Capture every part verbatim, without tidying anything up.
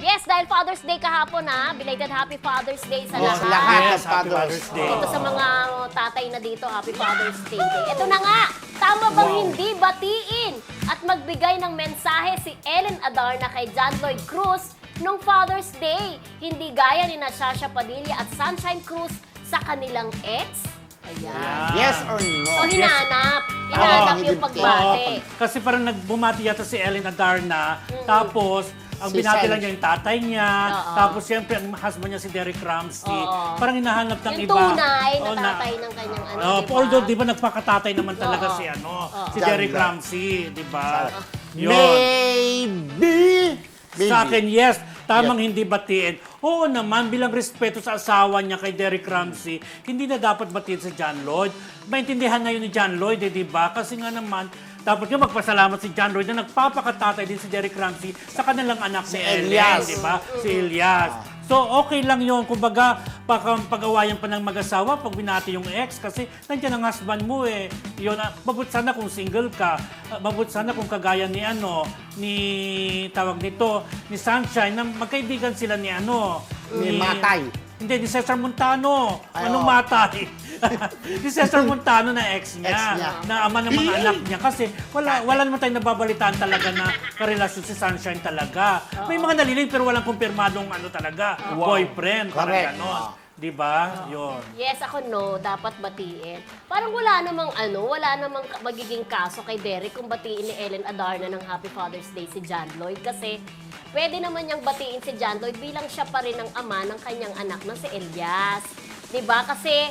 Yes, dahil Father's Day kahapon ha. Belated Happy Father's Day sa Yes, lahat. lahat. Yes, Happy Father's Day. Ito sa mga tatay na dito, Happy Father's Day. Ito na nga, tama bang Wow. hindi batiin at magbigay ng mensahe si Ellen Adarna kay John Lloyd Cruz nung Father's Day? Hindi gaya ni Natasha Padilla at Sunshine Cruz sa kanilang ex? Ayan. Yes or no? So, hinanap. Hinanap Oo, yung hindi- pagbati. Kasi parang nagbumati yata si Ellen Adarna, tapos ang Si binati San- lang niya yung tatay niya, Oo. tapos siyempre ang husband niya si Derek Ramsey. Oo. Parang hinahanap ng Yung iba. tunay na Oo, tatay ng kanyang ano, Oh, diba? although, di ba, nagpakatatay naman talaga Oo. si ano, Oo. si John Derek Lloyd. Ramsey, di ba? Yun. Maybe. Maybe. Sa akin, yes. Tamang hindi batiin. Oo naman, bilang respeto sa asawa niya kay Derek Ramsey, hindi na dapat batiin si John Lloyd. Maintindihan na yun ni John Lloyd, eh, di ba? Kasi nga naman, dapat nga magpasalamat si John Lloyd na nagpapakatatay din si Derek Ramsey sa kanilang anak Si ni Ellen, Elias. di ba? Si Elias. So, okay lang yun. Kumbaga, pag-awayan pa ng mag-asawa pag binati yung ex kasi nandiyan ang husband mo eh. Yun, ah, mabut sana kung single ka. Ah, mabut sana kung kagaya ni ano, ni tawag nito, ni Sunshine, na magkaibigan sila ni ano. Ni Matay. Hindi, ni Cesar Montano. Ay, Anong oo. Matay? ni Cesar Montano na ex niya, Ex niya. na ama ng mga anak niya. Kasi wala wala naman tayong nababalitaan talaga na karelasyon si Sunshine talaga. May mga naliling pero walang kumpirmadong ano talaga, boyfriend. Parang Correct. ganon. Oo. Di ba? Yun. Yes, ako no, dapat batiin. Parang wala namang ano, wala namang ka- magiging kaso kay Derek kung batiin ni Ellen Adarna ng Happy Father's Day si John Lloyd kasi pwede naman niyang batiin si John Lloyd bilang siya pa rin ang ama ng kanyang anak na si Elias. 'Di ba? Kasi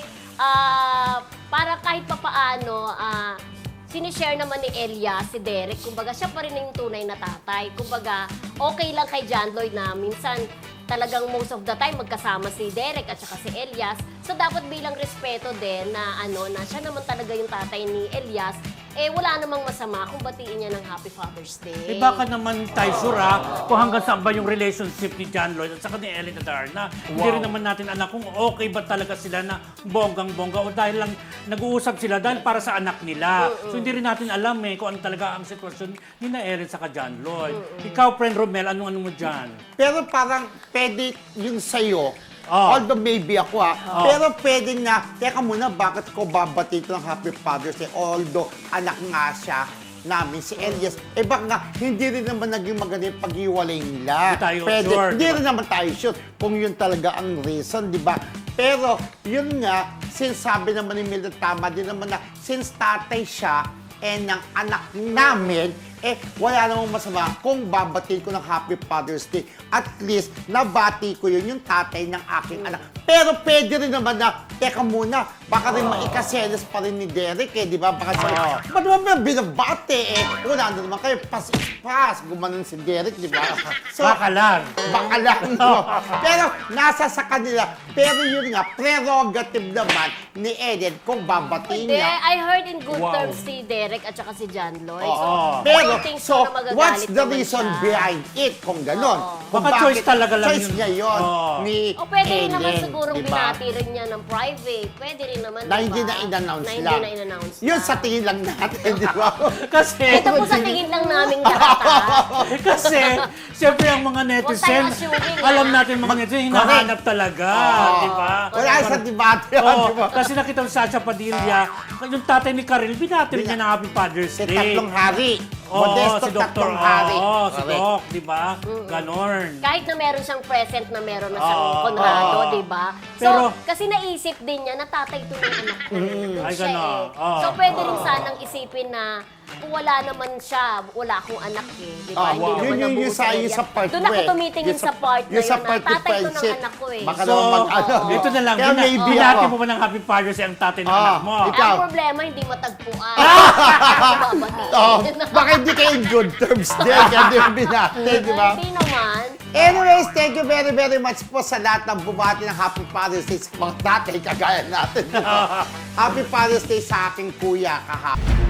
ah, para kahit papaano ah sinishare naman ni Elias si Derek, kumbaga siya pa rin yung tunay na tatay. Kumbaga, okay lang kay John Lloyd na minsan talagang most of the time magkasama si Derek at saka si Elias. So dapat bilang respeto din na ano na siya naman talaga yung tatay ni Elias, eh wala namang masama kung batiin niya ng Happy Father's Day. Eh baka naman tayo sure ha, kung hanggang saan ba yung relationship ni John Lloyd at saka ni Ellen Adarna. Hindi rin naman natin anak kung okay ba talaga sila na bonggang-bongga o dahil lang nag-uusap sila dahil para sa anak nila. So hindi rin natin alam eh kung ano talaga ang sitwasyon ni na Ellen saka John Lloyd. Ikaw, friend Romel, anong-ano mo dyan? Pero parang pwede yung sa'yo, Oh. although maybe ako ha, pero pwede na, teka muna, bakit ko babati ito ng Happy Father's Day? Although anak nga siya namin, si Elias, eh baka nga, hindi rin naman naging maganda yung pag-iwalay nila. Hindi tayo Pwede, sure, Hindi diba? rin naman tayo sure kung yun talaga ang reason, di ba? Pero yun nga, since sabi naman ni Mildred, tama din naman na, since tatay siya, eh ng anak namin, eh wala namang masama kung babatiin ko ng Happy Father's Day. At least, nabati ko yun yung tatay ng aking anak. Pero pwede rin naman na, teka muna, baka rin maikaselos pa rin ni Derek eh, di ba? Baka sabi, ba't naman ba binabati eh? Wala na naman kayo, pas is pas, gumanon si Derek, di ba? So, Baka lang. baka lang, no? Pero nasa sa kanila. Pero yun nga, prerogative naman ni Eden kung babatiin Hindi, niya. I heard in good Wow. terms si Derek at saka si John Lloyd. Oo. So, Pero, I don't think so, na magagalit what's the naman reason siya. behind it kung ganon? Oo. Kung Baka choice bakit- talaga lang choice yun. niya yun Oo. ni O pwede rin naman Ellen, siguro di ba? binati rin niya ng private. Pwede rin naman, Na di hindi ba? na in-announce Na lang. hindi na in-announce Yun lang. sa tingin lang natin, di ba? Kasi, Ito po sa tingin lang namin lahat, ha? eh, kasi, siyempre ang mga netizen, assuming, alam ha? natin mga netizen, hinahanap talaga, di ba? Wala sa debate yun, Oo, di ba? kasi nakita mo si Sacha Padilla, yung tatay ni Karel, binati rin niya ng Happy Father's Si Day. Tatlong Hari. Oo, Modesto si Doktor Tatlong Hari. Oo, si Correct. Doc, di ba? Ganon. Kahit na meron siyang present na meron na siyang Oo. konrado, Oo. di ba? So, Pero- kasi naisip din niya na tatay to ng anak ko. Ay, Siya ganon. eh. Oo. So, pwede rin sanang isipin na kung wala naman siya, wala akong anak eh. Di ba? Ah, Hindi wow. naman Yun yung- nabuo yung sa- yung Elias. sa part Doon two ako eh. tumitingin Yung sa part na yung sa yun na part two tatay to ng friendship, anak ko eh. baka So, naman mag-ano. oo. ito na lang, Kaya bina- maybe binati ako. mo ba ng Happy Father's Day ang tatay ng Ah, anak mo? ikaw. Ang problema, hindi matagpuan. Babatiin. Oh, baka hindi kayo in good terms din. Kaya di mo binati, di ba? Hindi naman. Anyways, thank you very, very much po sa lahat ng bumati ng Happy Father's Day sa mga tatay kagaya natin. Happy Father's Day sa aking kuya kahapon.